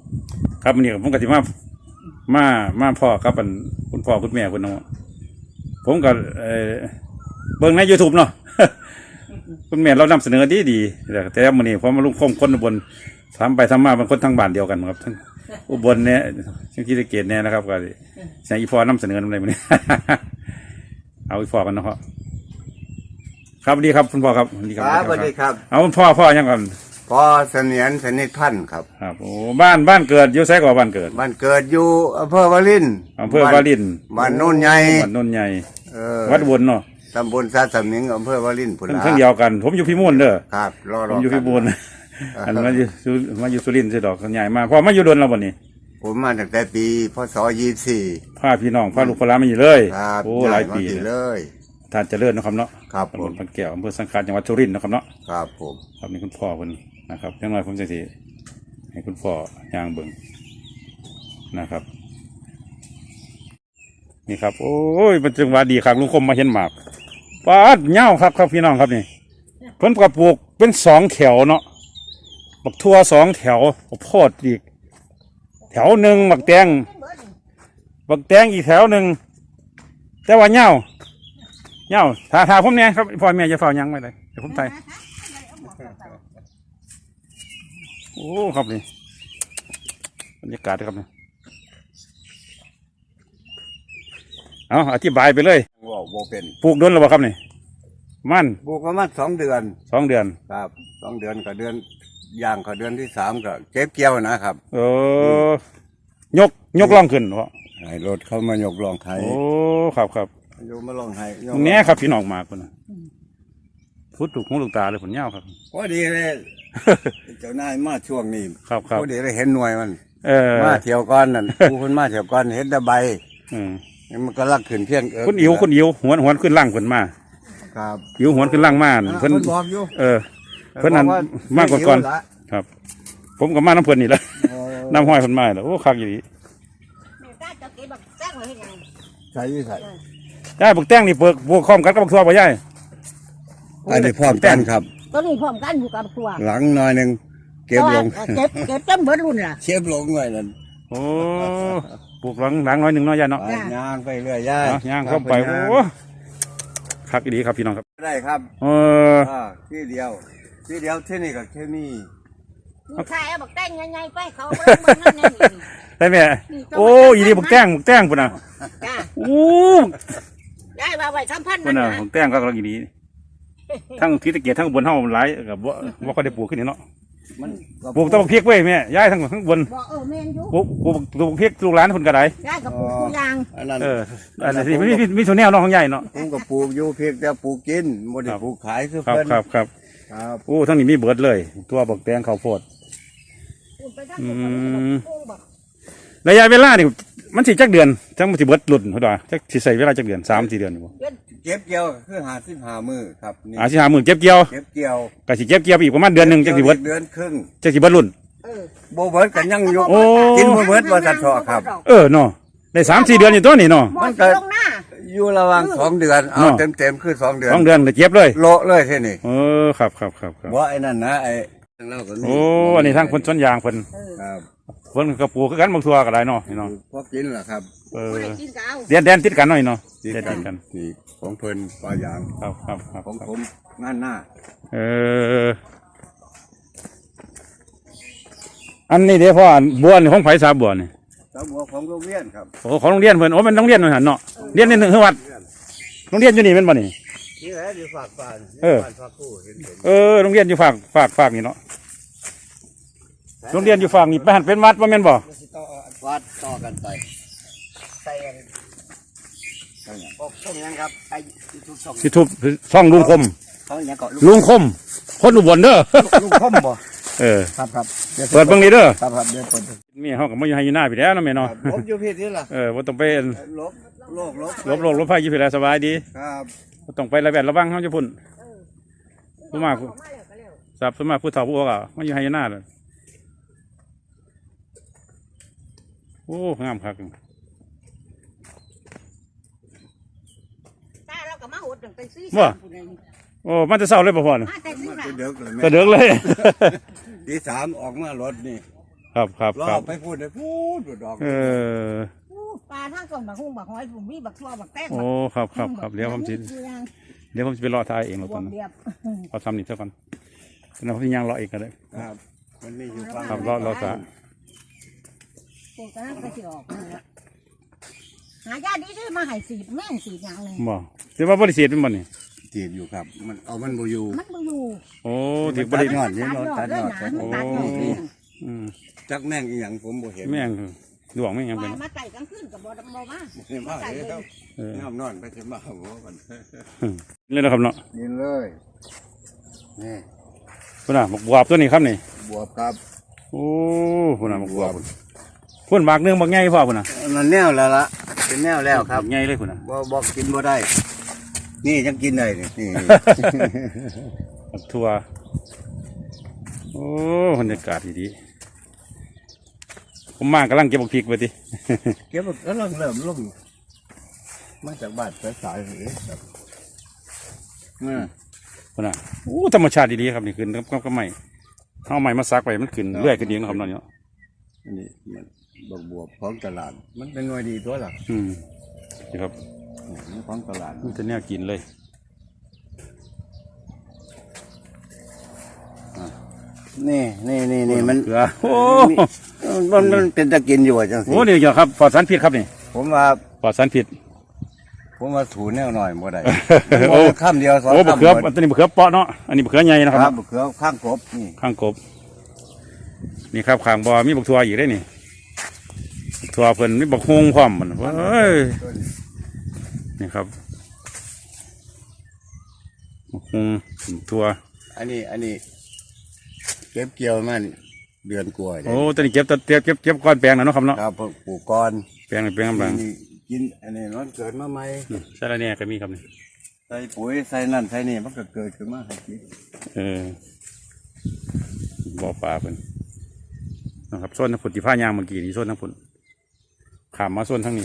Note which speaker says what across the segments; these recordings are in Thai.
Speaker 1: ครับวันนี้ผมก็สิมาพ่อครับคุณพ่อคุณแม่คุณน้องผมก็เบิ่งใน YouTube เนาะ คุณแม่เรานำเสนอดีแต่วันนี้ผมมาลุงคมคนอุบลทำไปทำมาเป็นคนทั้งบ้านเดียวกันครับทั้งอุบลเนี่ยทั้งที่ตะเกียบเนี่ยนะครับก็ใช้อีพอนำเสนออะไรมาเนี่ย เอาอีพอกันเนาะครับสวัสดีครับคุณพ่อครับสวัสดีครับ
Speaker 2: สวัสดีครับ
Speaker 1: เอาพ่อยังก่อน
Speaker 2: พ่อเสนียนสนิทพันธ์ครับ
Speaker 1: ครับโอ้บ้านเกิดอยู่ไสก่อบ้านเกิด
Speaker 2: บ้านเกิดอยู่อำเภอวาริน
Speaker 1: วาริน
Speaker 2: บ้านโน่นใหญ่
Speaker 1: วัดวนเนาะ
Speaker 2: ตำบลซาสมิงอำเภอวารินพุ่นละ
Speaker 1: ทั้งเดียวกันผมอยู่พิบูลเด้อ
Speaker 2: ครับ
Speaker 1: ผมอยู่พิบูลอันมาอยู่สุรินทร์ใช่ดอกใหญ่มาพอมาอยู่ดนแล้ววันนี้
Speaker 2: ผมมาตั้งแต่ปีพศ24
Speaker 1: พาพี่น้องพาลูกพาหลานมาอยู่เลยโอ้หลายปี
Speaker 2: เลย
Speaker 1: ท่านเจริญนะครับเนาะ
Speaker 2: ครับผม
Speaker 1: พันแก้วอำเภอสังขารจังหวัดสุรินทร์นะครับเนาะ
Speaker 2: ครับผม
Speaker 1: ครับนี่คุณพ่อคนนะครับยังไงผมจะสิให้คุณพ่อย่างเบิ่งนะครับนี่ครับโอ้ยเป็นจังหวะดีครับลุงคมมาเห็นหมากปาดเง่าครับพี่น้องครับนี่เพิ่นกับปลูกเป็น2 แถวเนาะบักทั่ว2 แถวโพดอีกแถวหนึ่งบักแตงอีกแถวหนึ่งแต่ว่าเง่าถ้าผมเนี่ยครับพ่อแม่จะเฝ้ายังไม่ได้เดี๋ยวผมไทยโอ้ครับนี่บรรยากาศครับนี่เอาอธิบายไปเลย
Speaker 2: ว่าโบเป็น
Speaker 1: ปลูกเดือนหรือเปล่าครับนี่มัน
Speaker 2: ปลูกประมาณ2 เดือน
Speaker 1: 2 เดือน
Speaker 2: ครับ2 เดือนกับเดือนย่างกับเดือนที่3ก็เก็บเกี่ยวนะครับ
Speaker 1: ยกล่องขึ้นวะ
Speaker 2: ให้รถเข้ามายกล่องไทย
Speaker 1: โอ้ครับ
Speaker 2: โยมมาลองให้
Speaker 1: ตรงนี้ครับพี่น้องมาคนพุทธถูกหูลูกตาเลยผลเงาครับ
Speaker 2: พอดีเลยเจ้านายมาช่วงนี้
Speaker 1: ครับ
Speaker 2: พอดีเลยเห็นหน่วยมัน
Speaker 1: มา
Speaker 2: เที่ยวก้อนนั่นผู้คนมาเที่ยวก้อนเห็นตะใบมันก็ลักขึ้นเพียง
Speaker 1: คุณอิ๋วหวนขึ้นล่างขึ้นมา
Speaker 2: ครับ
Speaker 1: อิ๋วหวนขึ้นล่างมา
Speaker 2: เพิ่นบอกอยู่
Speaker 1: เพิ่นนั่นมากกว่าก่อนครับผมก็มาน้ำเพิ่นนี่แหละน้ำห้อยเพิ่นมาแล้วโอ้คักอยู่ดี
Speaker 2: ใส่
Speaker 1: ได้บักแต้งนี่เปิดบวกคอมกันกับบักทั่วบ่ย่าย
Speaker 2: อันนี้พร้อมกันครับ
Speaker 3: ตัวนี้พร้อมกันอยู่กับบักทั่ว
Speaker 2: หลังหน่อยนึงเก็บลง
Speaker 3: เก็บจนเบิดรุ่นล่ะ
Speaker 2: เก็บลงไว้นั่น
Speaker 1: โอ้ปลูกหลังน้อยหนึ่งน้อยย่ายเนาะ
Speaker 2: ย่างไปเรื่อยย่าย
Speaker 1: ย่างเข้าไปโอ้คักดีครับพี่น้องครับ
Speaker 2: ได้ครับที่เดียวที่นี่กับเคมี
Speaker 3: ใช่บักแตงใหญ่ๆไปเขาเบิ่งนั่นนี่
Speaker 1: ได้ไหมโอ้ยดีบักแตงปุ่นน่ะโอ้
Speaker 3: ได้มาไว้3,000
Speaker 1: ปุ่นน่ะบักแตงก็กำลังดีทั้งที่ตะเกียบทั้งบนเฮาหลายกับว่าเขาได้ปลูกขึ้นนี่เนาะปลูกต้นพริกไว้แม่ย้ายทั้งบนปลูกพริกลูกหลานคนกระได
Speaker 3: ย้ายกับปลูกทุกอย่าง
Speaker 1: อันนี้มีส่วนแนวน้องของใหญ่เนาะ
Speaker 2: ผมก็ปลูกอยู่เพียงแต่ปลูกกินบ่ได้ปลูกขายคือ
Speaker 1: เพิ่นครับโอ้ทั้งนี้มีเบิดเลยตัวบักแตงข้าวโพดระยะเวลานี่มันสิจักเดือนจังมันสิเบิดหลุดเท่าไหร่จักสิใส่เวลาจักเดือน3-4 เดือนนี่บ่
Speaker 2: เก็บเกี่ยวคือ55 มื้อครับ
Speaker 1: 55 มื้อเก็บเกี่ยวก็สิเก็บเกี่ยวอีกประมาณเดือนนึงจังสิเบิด
Speaker 2: เดือนครึ่ง
Speaker 1: จังสิเบิดรุ่น
Speaker 2: บ่เบิดก็ยังอยู่กินบ่เบิดว่าซั่นเถาะครับ
Speaker 1: เนาะได้3-4 เดือนอยู่ตัวนี้เนาะ
Speaker 2: มันก็อยู่ระหว่าง2 เดือนเอาเต็มคือ2 เดือน
Speaker 1: 2 เดือนก็เก็บเลย
Speaker 2: โละเลยแค่นี้
Speaker 1: ครับ
Speaker 2: บ่ไอ้นั่นนะไอ้
Speaker 1: อันนี้ทางคนสวนยางเพิ่น
Speaker 2: ครับ
Speaker 1: เพิ่นก็ปลูกคือกันบางทั่วก็ได้เนาะนี่เนาะ
Speaker 2: พอกินล่ะครับ
Speaker 1: แดนติดกันหน่อยเนาะ
Speaker 2: ติดกันนี่ของเพิ่นปลายาง
Speaker 1: ครับ
Speaker 2: ของผมงานหน้า
Speaker 1: อันนี้เดี๋ยวพ่อบัวนี่ของไผสาบัวนี่
Speaker 2: สาบัวของโรงเรียนครับ
Speaker 1: โอ้ของโรงเรียนเพิ่นมันโรงเรียนหั่นเนาะเรียนนี่คือวัดโรงเรียนอยู่นี่แม่นบ่นี่
Speaker 2: นี่แหละอยู่ฝากบ้านฝากผู้
Speaker 1: โรงเรียนอยู่ฝากนี่เนาะโรงเรียนอยู่ฝั่งนี่ไปหันเป็นวัดว่าแม่นบ่
Speaker 2: วัดต่อกันไปใส่ช่องยังครับไอ้
Speaker 1: ที่ทุบช่องลุงคมลุงคมคนอุบลเด้อ
Speaker 2: ลุงคมบ่ครับ
Speaker 1: เปิดเบิ่งนี่เด้อ
Speaker 2: ครับเดี๋ยวเปิด
Speaker 1: มีเฮาก็มาอยู่ให้อยู่หน้าพี่แล้วนะแม่เนาะ
Speaker 2: ลบอยู่พี่นี่ล่ะ
Speaker 1: บ่ต้องไปลบไผอยู่พี่แล้วสบายดี
Speaker 2: ครับ
Speaker 1: บ่ต้องไประแวดระวังเฮาจะพุ่นผู้มาสับสมาผู้เฒ่าผู้อ่ะมาอยู่ให้อยู่หน้าเลยโอ้งามครับว่าโอ้มันจะเศร้าเลยป่ะพ่อเนี่ย
Speaker 2: จะเดือกเลย
Speaker 1: จะเดือกเลย
Speaker 2: ตี 3ออกมารถนี่
Speaker 1: คครับครับ
Speaker 2: รอ
Speaker 1: ครับ
Speaker 2: ไปพูดได้พูดดอก
Speaker 1: เออ
Speaker 3: ปลาทั้งส่งบักฮุ้งบักหอยผมมีบักทั่วบักแต้ง
Speaker 1: โอ้ครับครับครับเดี๋ยวผมสิเดี๋ยวผมจะไปรอทายเองแล้ว
Speaker 3: บ
Speaker 1: ต
Speaker 3: ว
Speaker 1: อน
Speaker 3: ก
Speaker 1: นั้น
Speaker 3: เดียบ
Speaker 1: เอาทำนี่เท่ากันแล้วผมจะย่างรอเองก็ได้
Speaker 2: ครับมันมีอยู่ฟัง
Speaker 1: ครับรอซะ
Speaker 3: ปลูกกระนั้นก็สิออกหายาดีที่มาให้สีแม่งสีอย่างหนึ่ง
Speaker 1: บ่แต่ว่าบริเสียเป็นบ่นี่
Speaker 2: จีบอยู่ครับมันเอามันบ่อยู่
Speaker 3: มันบ่อยู่
Speaker 1: โอ้ที่บริ
Speaker 2: ยอดเนี่ยเราตัดยอด
Speaker 3: มันตัดยอดเลย
Speaker 1: อืม
Speaker 2: จักแม่งอีหยังผมบ่เห็น
Speaker 1: แม่งดวงแม่งยัง
Speaker 3: ป
Speaker 1: เป็น
Speaker 3: ลามาไต่กลางคืนกับบ่ดำบ่มา
Speaker 2: เห็นว่าเลยครับ
Speaker 1: เออ
Speaker 2: น้ำนอนไปเห็นว่าหัวมัน
Speaker 1: เลยนะครับเนาะ
Speaker 2: กินเลยนี่
Speaker 1: พุ่นน่ะบักบวบตัวนี้ครับนี่
Speaker 2: บวบครับ
Speaker 1: โอ้พุ่นน่ะบักบวบพุ่นหมากเนื้อบักใหญ่พ่อพุ่นน่ะ
Speaker 2: มันแนวแล้วล่ะเป็นแนวแล้วครับ
Speaker 1: บักใหญ่เลยพุ่นน่ะ
Speaker 2: บ่กินบ่ได้ นี่ยังกินได้นี่
Speaker 1: บักทั่วโอ้บรรยากาศดีๆผมมากำลังเก็บบักพริกไปดิ
Speaker 2: เก็บก็เริ่มลงมาจากบ้านไปสายเลยครับอืม
Speaker 1: พุ่นน่ะโอ้ธรรมชาติดีๆครับนี่ขึ้นก็ไม่เอาใหม่มาซักไปมันขึ้นเรื่อยขึ้นเองนะครับเนาะ
Speaker 2: อันนี้มันบวบของตลาด มันเป็นหน่วยดีตัวหลัก
Speaker 1: อืมนี่ครับ
Speaker 2: มันของตลาด
Speaker 1: มันจะแนวกินเลย
Speaker 2: นี่มัน
Speaker 1: เกลือโอ้
Speaker 2: มันเป็นตะกินอยู่จังสิ
Speaker 1: โหนี่เกี่ยวครับปลอดสารพิษครับนี่
Speaker 2: ผมว่า
Speaker 1: ปลอดสารพิษ
Speaker 2: ถูแนวหน่อยบ่ได้
Speaker 1: โอ้
Speaker 2: ข้ามเดียวสอง
Speaker 1: โอ้บะ
Speaker 2: ข้าม
Speaker 1: เขือ
Speaker 2: หมด
Speaker 1: อันนี้บะเขือเปาะเนาะอันนี้บะเขือใหญ่นะค
Speaker 2: ค
Speaker 1: รั
Speaker 2: รั
Speaker 1: บบ
Speaker 2: เขือข้างกบนี่
Speaker 1: ข้างกบนี่ครับข้างบ่อมีบักทัวอีกได้นี่บักทัวเพิ่นมีบักฮวงพร้อมมันเฮ้ยนี่ครับบักฮวงบักทัว
Speaker 2: อันนี้เก็บเกี่ยวมันเดือนกว่า
Speaker 1: โอ้ตอนนี้เก็บก้อนแปลงแล้วเนาะครับเนาะ
Speaker 2: ครับปลูกก้อน
Speaker 1: แปลงนี่แปลงกำลัง
Speaker 2: นี่กินอันนี้มันเกิดมาใหม่
Speaker 1: นี่ใช่แล้วเนี่ยก็มีครับนี่
Speaker 2: ใส่ปุ๋ยใส่นั่นใส่นี่มันก็เกิดขึ้นมาให้กิน
Speaker 1: บ่อปลาเพิ่นนะครับส่วนทางผุนที่ผ้ายางเมื่อกี้นี่ส่วนทางผุนขามมาส่วนทางนี้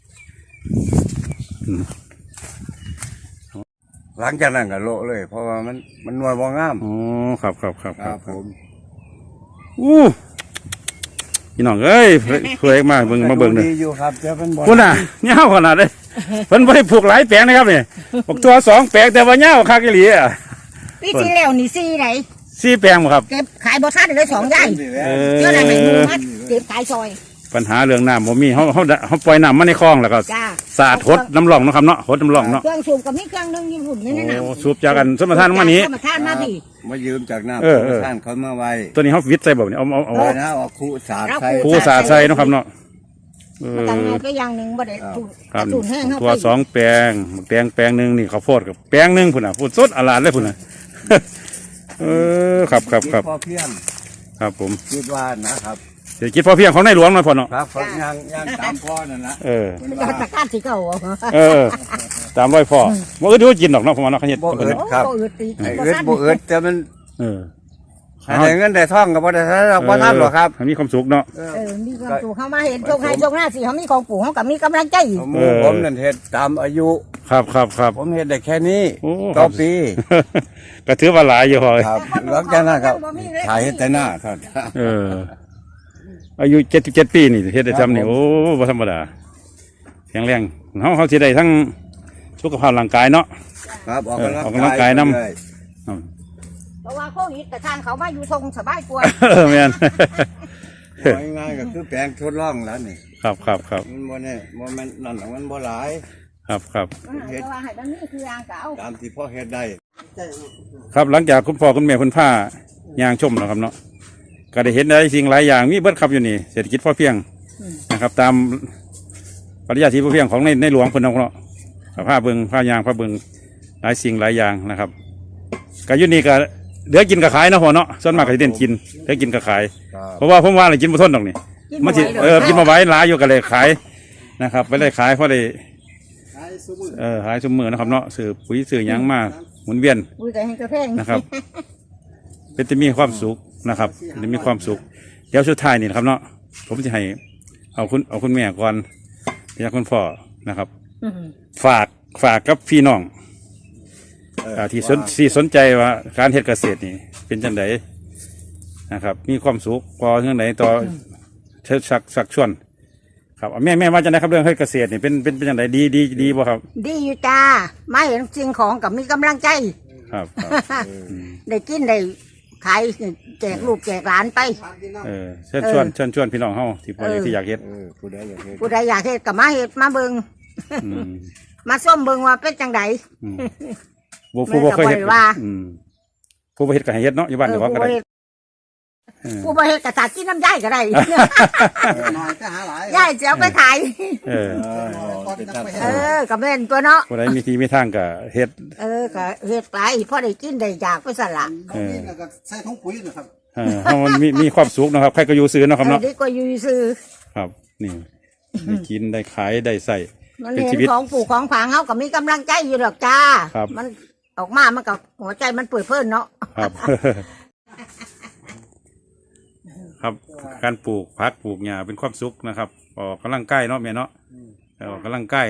Speaker 2: หลังจากนั้นก็โละเลย เพราะว่ามันหน่วยบ่งาม
Speaker 1: อ๋อครับ
Speaker 2: ผม
Speaker 1: อู้พี่น้องเอ้ยเพื่อมาเบิ่งมาเบิ่งหนึ่ง
Speaker 2: ดีอยู่ครับแต่มันบ่
Speaker 1: คุณน่ะเงาขนาดเลยเพิ่นบ่ได้ปลูกหลายแปลงนะครับนี่ปลูกตัว2แปลงแต่ว่าเงาคักอีหลีอ่ะ
Speaker 3: ปีที่แล้วนี่ซีไหน
Speaker 1: 4แปลงบ่ครับ
Speaker 3: เก็บขายบ่ทันเลย2ย่าย
Speaker 1: เอ
Speaker 3: เจ้าไหน
Speaker 1: อ
Speaker 3: ไม่รู้มัดเก็บขายซอย
Speaker 1: ปัญหาเรื่องน้ำบ่มีเฮาปล่อยน้ำมาในคลองแล้วก็
Speaker 3: จ้า
Speaker 1: สาดหดน้ำร่องเนาะครับเนาะหดน้ำร่องเนาะ
Speaker 3: เครื่องสูบกับมีเครื่องนึงอยู่หุ่นนี่นะ
Speaker 1: โอ้สูบจากกันสมทานมานี้
Speaker 3: สมทานมาพี่
Speaker 2: มายืมจากน้ำ
Speaker 1: เออ
Speaker 2: ท่านเขามาไว้
Speaker 1: ตัวนี้เฮาวิทย์ใส่บ่นี่เอา
Speaker 2: เอานะเอาคู่สาดใส่
Speaker 1: ครูสาดใส่เนาะครับเนาะเอ
Speaker 3: มา
Speaker 1: อ
Speaker 3: ตั้งเอาก็อย่างหนึงบ่ได้สูบ
Speaker 1: ครับ
Speaker 3: สูบแห้งเข้า
Speaker 1: ตัว
Speaker 3: ไป
Speaker 1: 2แปลงแปลงหนึงนี่ข้าวโพดกับแปลงหนึงพุ่นน่ะพูดสดอลาดเลยพุ่นน่ะ เออครับ
Speaker 2: คิดพอเพียง
Speaker 1: ครับผม
Speaker 2: คิดว่านะครับ
Speaker 1: เศรษฐกิจพอเพียงของในหลวงหน่อยพ่อเนาะ
Speaker 2: ครับยังตามพ่อนั่นนะ
Speaker 1: เออ
Speaker 2: เพิ่น
Speaker 3: ก็
Speaker 2: ว่า
Speaker 3: ตะการสิเก่า
Speaker 1: เออ ตามร้อยพ่อบ่อึดกินดอกเนาะพ่อเนาะเขาเฮ็ด
Speaker 2: บ่อึด
Speaker 3: โอ้
Speaker 2: ครับ
Speaker 3: บ่อึดตี
Speaker 2: ไอ้อึดบ่อึดแต่มัน
Speaker 1: เออ
Speaker 2: ให้ได้เงินได้ทองก็บ่ได้ทันหรอกบ่ทันหรอกครับ
Speaker 1: ให้มีความสุขเนาะ
Speaker 3: มีความสุขเข้ามาเห็นโชคให้โชคหน้าสิเขามีของปู่เขากับมีกำลังใจ
Speaker 2: ผมนั่นเฮ็ดตามอายุ
Speaker 1: ครับ
Speaker 2: ผมเฮ็ดได้แค่นี้
Speaker 1: โอ้
Speaker 2: ต่อปี
Speaker 1: ก็ถือว่าหลายอยู่พ่อ
Speaker 2: ครับหลังจากนั้นครับถ่ายเฮ็ดแต่หน้าครับ
Speaker 1: เออ อายุ77ปีนี่เฮ็ดได้ซ้ำนี่โอ้บ่ธรรมดาแข็งแรงเฮาสิได้ทั้งสุขภาพร่างกายเนาะ
Speaker 2: ครับออก
Speaker 1: ออกกำลังกายนำ
Speaker 2: เลย
Speaker 3: เพราะว่าโควิดแต่ทางเขามาอยู่ทรงสบายกว่า
Speaker 1: แม่น
Speaker 2: เอาง่ายๆก็คือแปลงทดลองแล้วนี่
Speaker 1: ครับ
Speaker 2: มันบ่แน่บ่แม่นนั่นหรอกมันบ่หลาย
Speaker 1: ครับ
Speaker 3: แต่ว่าให้มันนี่คืออ่างเก่า
Speaker 2: ตามที่พ่อเฮ็ดได้
Speaker 1: ครับหลังจากคุณพ่อคุณแม่คุณพ่ายางชมแล้วครับเนาะก็ได้เห็นหลายสิ่งหลายอย่างมีเบิดครับอยู่นี่เศรษฐกิจพอเพียงนะครับ ตามปริญญาที่พอเพียงของในหลวงเพิ่นเนาะผ้าเบิงผ้ายางผ้าเบิงหลายสิ่งหลายอย่างนะครับก็อยู่นี่ก็เหลือกินกับขายเนาะพ่อเนาะส่วนมากก็สิเด่นกินเหลือกินกับขาย
Speaker 2: ครับ
Speaker 1: เพราะว่าผมว่าเลยกินบ่ทนดอกนี่มันสิกินมาไว้หลายอยู่ก็เลยขายนะครับไปเลยขายเพราะได้ขายสมือนะครับเนาะซื้อปุ๋ยซื้อหยังมาหมุนเวียน
Speaker 3: อุ้ยแต่ให้กระแพง
Speaker 1: นะครับ เป็นจะมีความสุขนะครับจะมีความสุขเดี๋ยวสุดท้ายนี่นะครับเนาะผมจะให้เอาคุณแม่ก่อนอยากคุณพ่อนะครับ ฝากกับพี่น้องที่สนใจว่าการเฮ็ดเกษตรนี่เป็นจังไดนะครับ มีความสุขพอเรื่องไหนต่อเชิดชักชวนครับแม่ว่าจะได้ครับเรื่องให้เกษตรนี่เป็นอย่างไรดีบ่ครับ
Speaker 3: ดีอยู่จ้ามาเห็นสิ่งของกับมีกำลังใจ
Speaker 1: ครับ
Speaker 3: ได้กินได้ขายแจกลูกแจกหลานไป
Speaker 1: เชิญชวนพี่น้องเฮาที่พอที่อยากเฮ็ด
Speaker 2: ผู้ใดอยากเฮ็ด
Speaker 3: ผู้ใดอยากเฮ็ดกับมาเฮ็ดมาเบิ่ง
Speaker 1: อืม
Speaker 3: มาส้มเบิ่งว่าเป็นจังได
Speaker 1: ผู้บ่เคยเฮ็ด
Speaker 3: แม่ก็บ่ได้ว่า
Speaker 1: ผู้บ่เฮ็ดก็ให้เฮ็ดเนาะอยู่บ้านเจ้าของก็ได้
Speaker 3: ผู้บ่เฮ็ดก็ตัดกินน้ำย่ายก็ได้
Speaker 4: น้อยก็หาหลาย
Speaker 3: ย่ายจะเอาไปขาย กับแม่นตัวเนาะ
Speaker 1: ผู้ใดมีที่มีทางก็เฮ็ด
Speaker 3: ก็เฮ็ดไปพอได้กินได้อยากไปสั่นล่ะ
Speaker 4: น้องนี่แล้วก็ใส่ถุงปุ๋ยนะครับ
Speaker 1: เฮามันมีความสุขเนาะครับใครก็อยู่ซื้อเนาะครับเนาะ
Speaker 3: ดีกว่าอยู่ซื้อ
Speaker 1: ครับ นี่ได้กินได้ขายได้ใส่
Speaker 3: มัน
Speaker 1: เป็น
Speaker 3: เห็
Speaker 1: ชี
Speaker 3: น
Speaker 1: วิต
Speaker 3: ของปลูกของฝังเฮาก็มีกำลังใจอยู่ดอกจ้า
Speaker 1: ครับ
Speaker 3: มันออกมามันก็หัวใจมันเปิดเพิ่นเนาะ
Speaker 1: ครับ ครับการปลูกผักปลูกหญ้าเป็นความสุขนะครับออกกำลังกายเนาะแม่เนาะออกกำลังกาย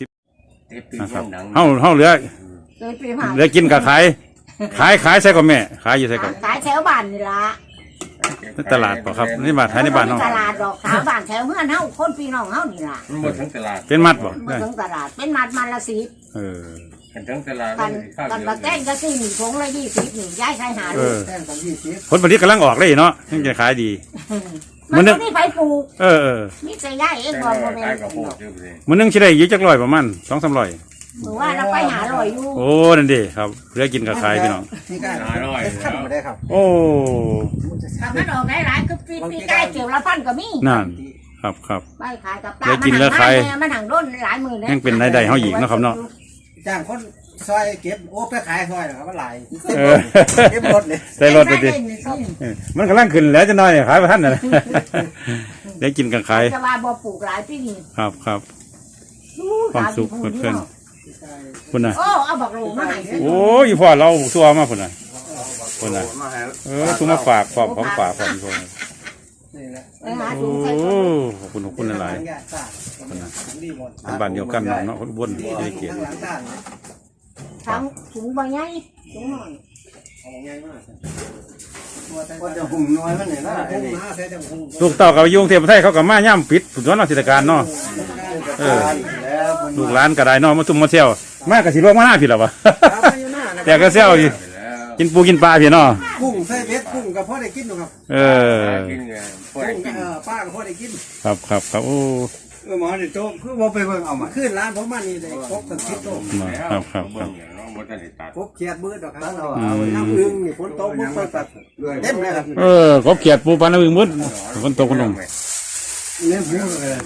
Speaker 1: 60นะครับเฮาเหลือ
Speaker 3: เคยไปหา
Speaker 1: เหลือกินกับขายใส่กับแม่ขายอยู่ใส่กับ
Speaker 3: ขายแถวบ้านนี่ล่ะ
Speaker 1: ในตลาดเปล่าครับนี่มาขายในบ้านเนาะ
Speaker 3: ตลาดดอกแถวบ้านแถวเฮือนเฮาคนพี่น้องเฮานี่ล่ะ
Speaker 2: มันหมดทั้งตลาด
Speaker 1: เป็นมัดบ่
Speaker 3: มาถึงตลาดเป็นมันละ10
Speaker 1: เออ
Speaker 2: กันทั้งตลาด
Speaker 3: กันมาแกงก็สิถุงละ20นี่ย้ายใส่หา
Speaker 1: เอ
Speaker 3: ลูก
Speaker 1: อ
Speaker 4: แท่งของ20
Speaker 1: ผลผลิตกำลังออกเลยเนาะยังจะขายดี
Speaker 3: มันบ่ได้ไปปลูก
Speaker 1: เออ
Speaker 3: มีแต่ย้ายเองบ่บ่แม่
Speaker 2: ขาย
Speaker 3: น
Speaker 2: กับพวกเยอะเลย
Speaker 1: มันนึงสิได้อยู่จักร้อยประมาณ 2-300
Speaker 3: หรือว่าเราไปหาลอยอยู่
Speaker 1: โอ้นั่นดิครับเหลือกินกับขายพี่น้อง
Speaker 4: นี่ก็ขั้นมาได้ครับ
Speaker 1: โอ้
Speaker 3: ถ้ามันออกหลายๆคือปีใกล้เกี่ยวละพันก็มี
Speaker 1: นั่นครับ
Speaker 3: ไปขายกับปลา
Speaker 1: แล้วกินแล้วขาย
Speaker 3: มันหังด้นหลายมือเลย
Speaker 1: ยังเป็นรายได้เฮาอีกเนาะครับเนาะ
Speaker 4: จ้างคนซอยเก็บโอ้ไปขายซอยนะครับมันหลาย
Speaker 1: เออ
Speaker 4: เก็บรถเลย
Speaker 1: ใส่รถไปดิมันกำลังขึ้นแล้วจะน้อยขายบ่ทันน่ะ ได้กินกับขาย
Speaker 3: จะว่าบ่ปลูกหลายปีนี่
Speaker 1: ครับความสุขเพื่อนคุณน่ะ
Speaker 3: โอ้เอาบักโลมาให้
Speaker 1: โอ้ยพ่อเราซัวมาพุ่นน่ะทุกมาฝากของฝากของคน
Speaker 4: นี่แหละ
Speaker 3: ไปหา
Speaker 1: โอ้
Speaker 3: ถุงใส่ถุง
Speaker 1: ขอบคุณหลาย
Speaker 4: ดีหมด
Speaker 1: ๆบ้านเดียวกันเนาะคนบน
Speaker 4: ดี
Speaker 1: ได้เกียรติ
Speaker 4: ทั้งหลังด้าน
Speaker 3: ทั้งถุงใบใหญ่ถุงหน่อย
Speaker 4: ของง่ายมากก็จะหุ่มน้อยมันเนี่ยนะหุ่มมาแท้จะหุ่ม
Speaker 1: ลูกเต่ากับยุงเทพไทยเขากับมาย่ำปิดสุดยอดเนาะเทศกาลเนาะ
Speaker 4: แล้ว
Speaker 1: ลูกหลานก็ได้เนาะมาซุ่มมาเที่ยวมากกับสิลวกมาหน้าพี่หรอวะ
Speaker 4: อยู่หน้า
Speaker 1: แต่ก็เซี่ยวอยู่กินปูกินปลาพี่เนาะ
Speaker 4: กุ้งใส่เบ็ดกุ้งกับพ่อได้กินหรอครับ
Speaker 1: เออ
Speaker 2: กินไงพวก
Speaker 4: กุ้ง
Speaker 2: กิน
Speaker 4: ป้ากับพ่อได้กิน
Speaker 1: ครับโอ้
Speaker 4: หมอนี่โตคือบ่ไปเบิ่งเอามาขึ้นร้านผมมานี่ได้ครบทั้ง10โต
Speaker 1: ครับ
Speaker 2: หมดกันตัด
Speaker 4: ครบเขียดมืดดอกครับน้ำอึ้งนี่ฝนตกบ่ค่อยตัดเต็มเลยครับ
Speaker 1: กบเขียดปูปลาหนึ่งมืดฝนตกคนลง
Speaker 4: เนี่ย